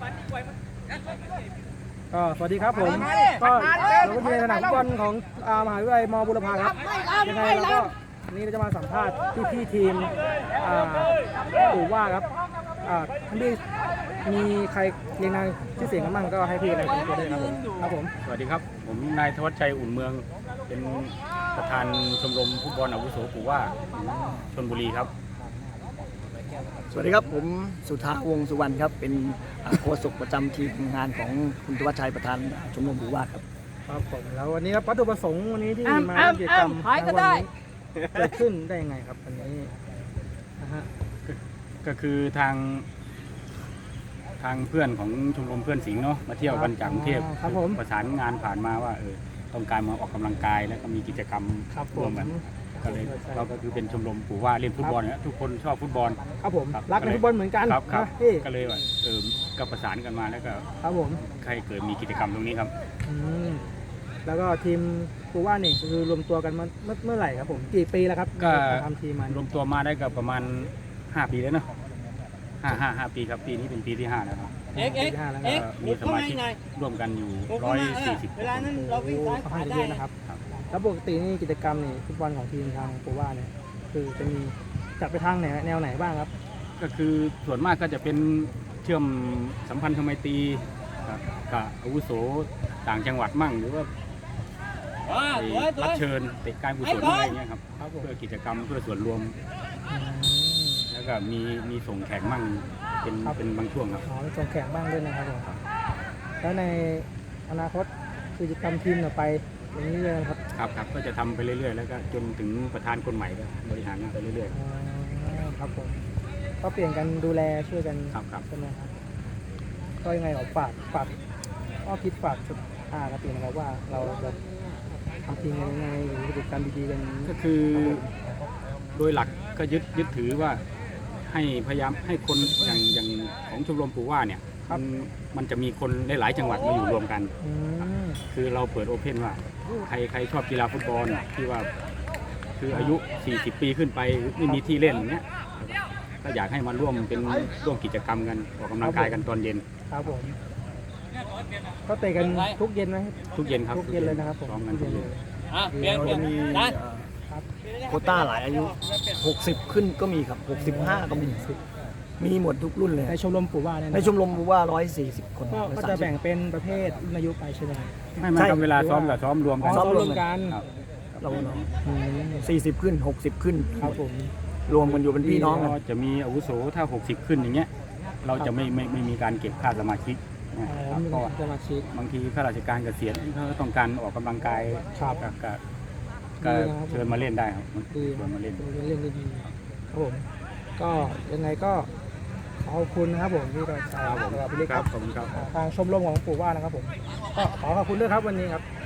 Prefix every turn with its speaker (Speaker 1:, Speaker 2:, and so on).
Speaker 1: ก็สวัสดีครับผมก็เราก็อยู่ในสนามฟุตบอลของมหาวิทยาลัยมบุรพาครับยังไงเราก็วันนี้เราจะมาสัมภาษณ์พี่ทีมปู่ว่าครับท่านพี่มีใครเรียงนามชื่อเสียงกันบ้างก็ให้พี่อะไรเป็นตัวได้ครับผม
Speaker 2: สวัสดีครับผมนายธวัชชัยอุ่นเมืองเป็นประธานชมรมฟุตบอลอาวุโสปู่ว่าชลบุรีครับ
Speaker 3: สวัสดีครับผมสุธาวงศ์สุวรรณครับเป็นโฆษกประจำทีมงานของคุณธวัชชัยประธานชมรมปู่ว่าครับ
Speaker 1: ครับผมแล้ววันนี้ครับวัตถุประสงค์วันนี้ที่มากิจกรรมในวันนี้เกิดขึ้นได้ยังไงครับวันนี้นะฮะ
Speaker 2: ก็คือทางเพื่อนของชมรมเพื่อนสิงห์เนาะมาเที่ยวกันจากกรุงเทพประสานงานผ่านมาว่าต้องการมาออกกำลังกายแล้วก็มีกิจกรรมร่วมกันก็เลยเราก็คือเป็นชมรมปู่ว่าเล่นฟุตบอลนะทุกคนชอบฟุตบอล
Speaker 1: ครับผมรักในฟุตบอลเหมือนกัน
Speaker 2: ครับก็เลยว่าก็ประสานกันมาแล้วก็
Speaker 1: ครับผม
Speaker 2: ใครเกิดมีกิจกรรมตรงนี้ครับ
Speaker 1: แล้วก็ทีมปู่ว่านี่คือรวมตัวกันมาเมื่อไหร่ครับผมกี่ปีแล้วครับ
Speaker 2: ก็
Speaker 1: ทำทีมมาร
Speaker 2: วมตัวมาได้ก็ประมาณ5 ปีแล้วเนาะ5 ปีครับปีนี้เป็นปีที่5แล้วครับมีสมาชิกร่วมกันอยู่140เวลานั้นเราวิ่ง
Speaker 1: ซ้ายขวาได้นะครับแล้วปกตินี่กิจกรรมนี่ฟุตบอลของทีมทางปู่ว่าเนี่ยคือจะมีจัดไปทางแนวไหนบ้างครับ
Speaker 2: ก็คือส่วนมากก็จะเป็นเชื่อมสัมพันธไมตรีกับอาวุโสต่างจังหวัดมั่งหรือว่ารับเชิญเตะการกุศลอะไรเงี้ยครับเพื่อกิจกรรมเพื่อส่วนรวมแล้วก็มีส่งแข่งมั่งเป็นบางช่วงครับ
Speaker 1: มีส่งแข่งบ้างด้วยนะครับผมแล้วในอนาคตกิจกรรมทีมไปอย่างนี้เลยครับ
Speaker 2: ครับก็จะทำไปเรื่อยๆแล้วก็จนถึงประธานคนใหม่ก็บริหารไปเรื่อย
Speaker 1: ๆครับผมก็เปลี่ยนกันดูแลช่วยกันใช่ไหมครับก็ยังไงฝากก็คิดฝากสุดครับเปลี่ยนนะครับว่าเราจะทำทีมยังไงหรือกิจกรรมดีๆกัน
Speaker 2: ก็คือโดยหลักก็ยึดถือว่าให้พยายามให้คนอย่างของชมรมปู่ว่าเนี่ยมันจะมีคนหลายจังหวัดมาอยู่รวมกันคือเราเปิดโอเพ่นว่าใครชอบกีฬาฟุตบอลที่ว่าคืออายุ40 ปีขึ้นไปไม่มีที่เล่นเนี้ยก็อยากให้มาร่วมกิจกรรมกันออกกำลังกายกันตอนเย็น
Speaker 1: ครับผมก็เตะกันทุกเย็นไหม
Speaker 2: ทุกเย็นครับ
Speaker 1: ทุกเย็นเลยนะครับผม
Speaker 2: ซ้อมกันทุกเย็น
Speaker 3: เราจะมีโควต้าหลายอายุ60ขึ้นก็มีครับ65ก็มีหมดทุกรุ่นเลย
Speaker 1: ในชมรมปู่ว่า
Speaker 3: ในชมรมปู่ว่า140 คน
Speaker 1: ก็จะแบ่งเป็นประเภทรุ่นอายุไปใช่ไหม
Speaker 2: ไม่เวลาซ้อมกับซ้อมรวมกัน
Speaker 3: เรา40 ขึ้น60 ขึ้น
Speaker 1: ครับผม
Speaker 3: รวมกันอยู่เป็นพี่น้อง
Speaker 2: จะมีอาวุโสถ้า60 ขึ้นอย่างเงี้ยเราจะไม่มีการเก็บค่าสมาชิกก็บางทีข้าราชการเกษียณเขาต้องการออกกำลังกายก็เชิญมาเล่นได้ครับเชิญมาเล่น
Speaker 1: ดีครับผมก็ยังไงก็ขอบคุณนะครับผมที่เราพี่เล็กครับทางชมรมของปู่ว่านะครับผมก็ขอขอบคุณด้วยครับวันนี้ครับ